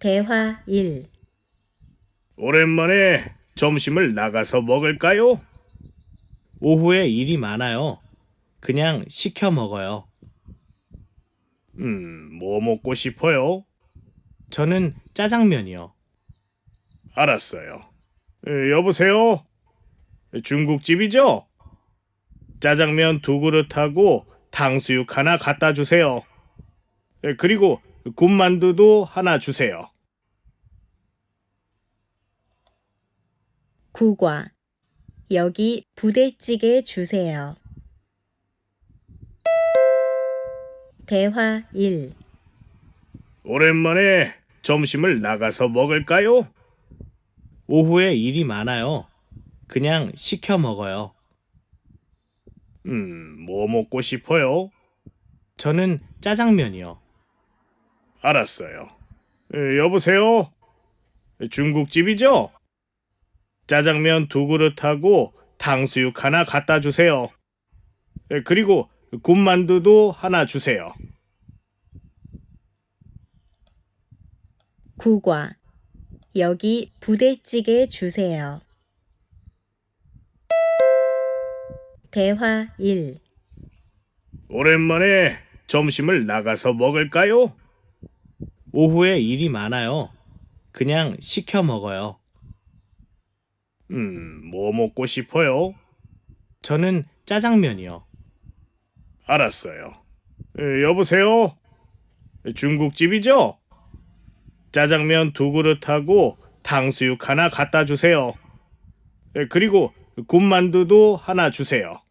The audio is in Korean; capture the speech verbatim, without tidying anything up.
대화 일. 오랜만에 점심을 나가서 먹을까요? 오후에 일이 많아요. 그냥 시켜 먹어요. 음, 뭐 먹고 싶어요? 저는 짜장면이요. 알았어요. 에, 여보세요? 중국집이죠? 짜장면 두 그릇하고 탕수육 하나 갖다 주세요. 에, 그리고 군만두도 하나 주세요. 국화. 여기 부대찌개 주세요. 대화 일. 오랜만에 점심을 나가서 먹을까요? 오후에 일이 많아요. 그냥 시켜 먹어요. 음, 뭐 먹고 싶어요? 저는 짜장면이요. 알았어요. 에, 여보세요? 중국집이죠? 짜장면 두 그릇하고 탕수육 하나 갖다 주세요. 에, 그리고 군만두도 하나 주세요. 국화. 여기 부대찌개 주세요. 대화 일. 오랜만에 점심을 나가서 먹을까요? 오후에 일이 많아요. 그냥 시켜 먹어요. 음, 뭐 먹고 싶어요? 저는 짜장면이요. 알았어요. 에, 여보세요? 중국집이죠? 짜장면 두 그릇하고 탕수육 하나 갖다 주세요. 에, 그리고 군만두도 하나 주세요.